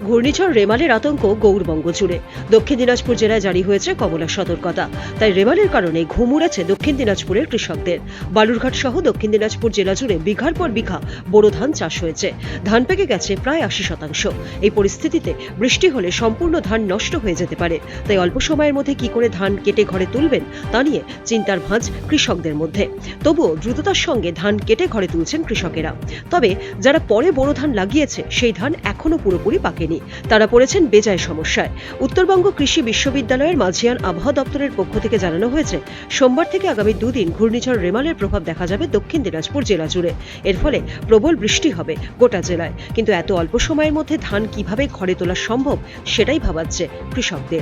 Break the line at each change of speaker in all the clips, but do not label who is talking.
ঘূর্ণিঝড় রেমালের আতঙ্ক গৌরবঙ্গ জুড়ে। দক্ষিণ দিনাজপুর জেলায় জারি হয়েছে কমলা সতর্কতা। তাই রেমালের কারণে ঘুম উড়েছে দক্ষিণ দিনাজপুরের কৃষকদের। বালুরঘাট সহ দক্ষিণ দিনাজপুর জেলা জুড়ে বিঘার পর বিঘা বোরো ধান চাষ হয়েছে। ধান পেকে গেছে প্রায় ৮০%। এই পরিস্থিতিতে বৃষ্টি হলে সম্পূর্ণ ধান নষ্ট হয়ে যেতে পারে। তাই অল্প সময়ের মধ্যে কি করে ধান কেটে ঘরে তুলবেন তা নিয়ে চিন্তার ভাঁজ কৃষকদের মধ্যে। তবুও দ্রুততার সঙ্গে ধান কেটে ঘরে তুলছেন কৃষকেরা। তবে যারা পরে বোরো ধান লাগিয়েছে সেই ধান এখনো পুরোপুরি পাকেনি। তারা পড়েছেন বেজায় সমস্যায়। উত্তরবঙ্গ কৃষি বিশ্ববিদ্যালয়ের মাঝিয়ান আবহাওয়া দপ্তরের পক্ষ থেকে জানানো হয়েছে, সোমবার থেকে আগামী দুদিন ঘূর্ণিঝড় রেমালের প্রভাব দেখা যাবে দক্ষিণ দিনাজপুর জেলা জুড়ে। এর ফলে প্রবল বৃষ্টি হবে গোটা জেলায়। কিন্তু এত অল্প সময়ের মধ্যে ধান কিভাবে ঘরে তোলা সম্ভব সেটাই ভাবাচ্ছে কৃষকদের।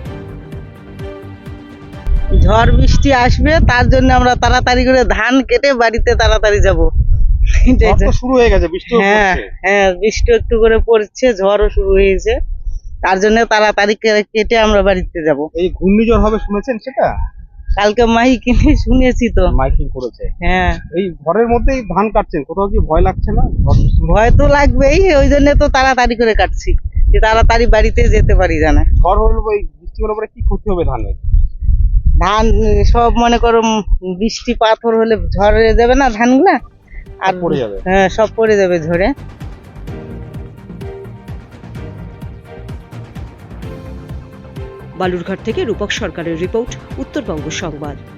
ঝড় বৃষ্টি আসবে, তার জন্য আমরা তাড়াতাড়ি করে ধান কেটে বাড়িতে তাড়াতাড়ি যাব।
ঝড় তো শুরু হয়ে গেছে, বৃষ্টিও
হ্যাঁ
পড়ছে।
হ্যাঁ, বৃষ্টি একটু করে পড়ছে, ঝড়ও শুরু হয়েছে, তার জন্য তাড়াতাড়ি কেটে আমরা বাড়িতে যাব।
এই ঘূর্ণিঝড় হবে শুনেছেন সেটা?
কালকে মাইকিনে শুনেছি তো।
মাইকিং করেছে।
হ্যাঁ,
এই ঘরের মধ্যেই ধান কাটছেন, কোথাও কি ভয় লাগছে না?
ভয় তো লাগবেই, ওই জন্য তো তাড়াতাড়ি করে কাটছি, যে তাড়াতাড়ি বাড়িতে যেতে পারি জানা।
ঝড় হলে ওই বৃষ্টি হলে পরে কি ক্ষতি হবে ধানের?
ধান সব মনে করো বৃষ্টি পাথর হলে ঝড়ে যাবে না ধানগুলা, আর
সব পড়ে যাবে।
হ্যাঁ, সব পড়ে যাবে ঝড়ে।
বালুরঘাট থেকে রূপক সরকারের রিপোর্ট, উত্তরবঙ্গ সংবাদ।